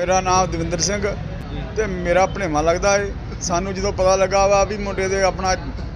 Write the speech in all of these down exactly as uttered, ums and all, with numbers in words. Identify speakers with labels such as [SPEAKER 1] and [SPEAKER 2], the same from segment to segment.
[SPEAKER 1] मेरा नाम दविंदर सिंह ते मेरा भणेवा लगदा है। सानू जो पता लगा वा भी मुंडे दे अपना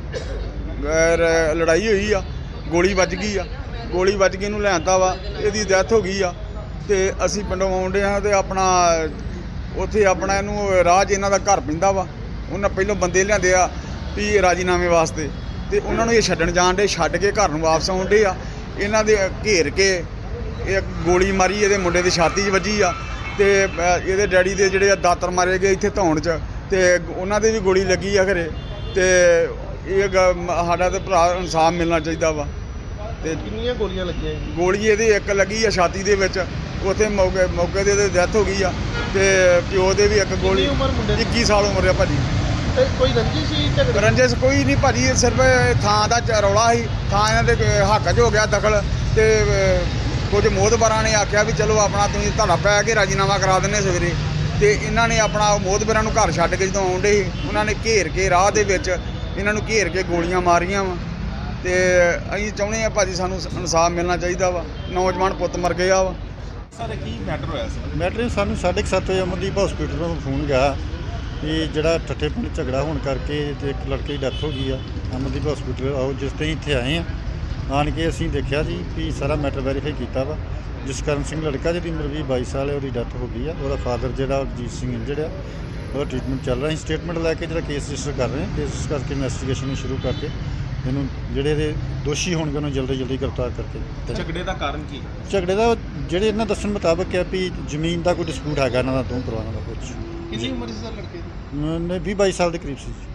[SPEAKER 1] लड़ाई हुई आ, गोली वज गई आ, गोली वज के इहनूं लिआंदा वा, इहदी डैथ हो गई आ ते असीं पिंडों आउंदे हां ते अपना उत्थे अपना इहनूं राह च इन्हां दा घर पैंदा वा। उन्हां पहिलों बंदे लिआंदे आ भी राजीनामे वास्ते ते उन्हां नूं इह छड्डण जाण डे, छड्ड के घर नूं वापस आउण डे आ। इन्हां दे घेर के एक गोली मारी इहदे मुंडे दी छाती 'च वजी आ ते इहदे डैडी दे जिहड़े दातर मारे गए इत्थे धौण च ते उन्हां दे भी गोली लगी आ खरे ते ਇਹ ਸਾਡਾ ਤੇ ਭਰਾ ਇਨਸਾਫ ਮਿਲਣਾ ਚਾਹੀਦਾ ਵਾ। ਤੇ
[SPEAKER 2] ਕਿੰਨੀਆਂ ਗੋਲੀਆਂ ਲੱਗੀਆਂ?
[SPEAKER 1] ਗੋਲੀ ਇਹਦੇ ਇੱਕ ਲੱਗੀ ਆ ਛਾਤੀ ਦੇ ਵਿੱਚ, ਉੱਥੇ ਮੌਕੇ ਮੌਕੇ ਦੇ ਡੈਥ ਹੋ ਗਈ ਆ ਤੇ ਪਿਓ ਦੇ ਵੀ ਇੱਕ ਗੋਲੀ।
[SPEAKER 2] ਉਮਰ ਮੁੰਡੇ ਦੀ?
[SPEAKER 1] ਇੱਕੀ ਸਾਲ ਉਮਰ ਆ ਭਾਜੀ।
[SPEAKER 2] ਤੇ ਕੋਈ ਰੰਜਿਸ਼ ਸੀ ਝਗੜੇ?
[SPEAKER 1] ਰੰਜਿਸ਼ ਕੋਈ ਨਹੀਂ ਭਾਜੀ, ਸਿਰਫ ਥਾਂ ਦਾ ਰੌਲਾ ਸੀ, ਥਾਂ ਇਹਨਾਂ ਦੇ ਹੱਕ 'ਚ ਹੋ ਗਿਆ ਦਖਲ ਤੇ ਕੁਝ ਮੋਹਤਬਾਰਾਂ ਨੇ ਆਖਿਆ ਵੀ ਚਲੋ ਆਪਣਾ ਤੁਸੀਂ ਧੜਾ ਪੈ ਕੇ ਰਾਜੀਨਾਮਾ ਕਰਾ ਦਿੰਦੇ ਸਵੇਰੇ ਤੇ ਇਹਨਾਂ ਨੇ ਆਪਣਾ ਮੋਹਤਬਾਰਾਂ ਨੂੰ ਘਰ ਛੱਡ ਕੇ ਜਦੋਂ ਆਉਂਦੇ ਸੀ ਉਹਨਾਂ ਨੇ ਘੇਰ ਕੇ ਰਾਹ ਦੇ ਵਿੱਚ ਇਹਨਾਂ ਨੂੰ ਘੇਰ ਕੇ ਗੋਲੀਆਂ ਮਾਰੀਆਂ ਵਾ ਤੇ ਅਸੀਂ ਚਾਹੁੰਦੇ ਆ ਭਾਜੀ ਸਾਨੂੰ ਇਨਸਾਫ ਮਿਲਣਾ ਚਾਹੀਦਾ ਵਾ। ਨੌਜਵਾਨ ਪੁੱਤ ਮਰ ਗਿਆ ਵਾ।
[SPEAKER 3] ਸਰ ਕੀ ਮੈਟਰ ਹੋਇਆ ਸੀ?
[SPEAKER 4] ਮੈਟਰ ਸਾਨੂੰ ਸਾਢੇ ਕੁ ਸੱਤ ਵਜੇ ਅਮਨਦੀਪ ਹਸਪੀਟਲ ਤੋਂ ਫੋਨ ਗਿਆ ਕਿ ਜਿਹੜਾ ਠੱਠੇ ਪਿੰਡ ਝਗੜਾ ਹੋਣ ਕਰਕੇ ਤੇ ਇੱਕ ਲੜਕੇ ਦੀ ਡੈਥ ਹੋ ਗਈ ਆ। ਅਮਨਦੀਪ ਹਸਪੀਟਲ ਆਓ, ਜਿਸ ਤੇ ਇੱਥੇ ਆਏ ਆ, ਆਣ ਕੇ ਅਸੀਂ ਦੇਖਿਆ ਜੀ ਵੀ ਸਾਰਾ ਮੈਟਰ ਵੈਰੀਫਾਈ ਕੀਤਾ ਵਾ। ਜਸਕਰਨ ਸਿੰਘ ਲੜਕਾ ਜਿਹਦੀ ਉਮਰ ਵੀਹ ਬਾਈ ਸਾਲ ਹੈ, ਉਹਦੀ ਡੈਥ ਹੋ ਗਈ ਆ। ਉਹਦਾ ਫਾਦਰ ਜਿਹੜਾ ਅਜੀਤ ਸਿੰਘ ਇੰਜਰਡ ਆ, ਉਹਦਾ ਟ੍ਰੀਟਮੈਂਟ ਚੱਲ ਰਿਹਾ। ਅਸੀਂ ਸਟੇਟਮੈਂਟ ਲੈ ਕੇ ਜਿਹੜਾ ਕੇਸ ਰਜਿਸਟਰ ਕਰ ਰਹੇ ਹਾਂ। ਕੇਸ ਕਰਕੇ ਇਨਵੈਸਟੀਗੇਸ਼ਨ ਨੂੰ ਸ਼ੁਰੂ ਕਰਕੇ ਇਹਨੂੰ ਜਿਹੜੇ ਇਹਦੇ ਦੋਸ਼ੀ ਹੋਣਗੇ ਉਹਨੂੰ ਜਲਦੀ ਜਲਦੀ ਗ੍ਰਿਫਤਾਰ ਕਰਕੇ।
[SPEAKER 3] ਝਗੜੇ ਦਾ ਕਾਰਨ ਕੀ?
[SPEAKER 4] ਝਗੜੇ ਦਾ ਜਿਹੜੇ ਇਹਨਾਂ ਦੱਸਣ ਮੁਤਾਬਕ ਹੈ ਵੀ ਜ਼ਮੀਨ ਦਾ ਕੋਈ ਡਿਸਪਿਊਟ ਹੈਗਾ ਇਹਨਾਂ ਦਾ ਦੋ ਪਰਿਵਾਰਾਂ ਦਾ ਕੁਝ।
[SPEAKER 2] ਕਿੰਨੀ ਉਮਰ ਸੀ ਸਰ ਲੜਕੇ ਦੀ?
[SPEAKER 4] ਵੀਹ ਬਾਈ ਸਾਲ ਦੇ ਕਰੀਬ ਸੀ।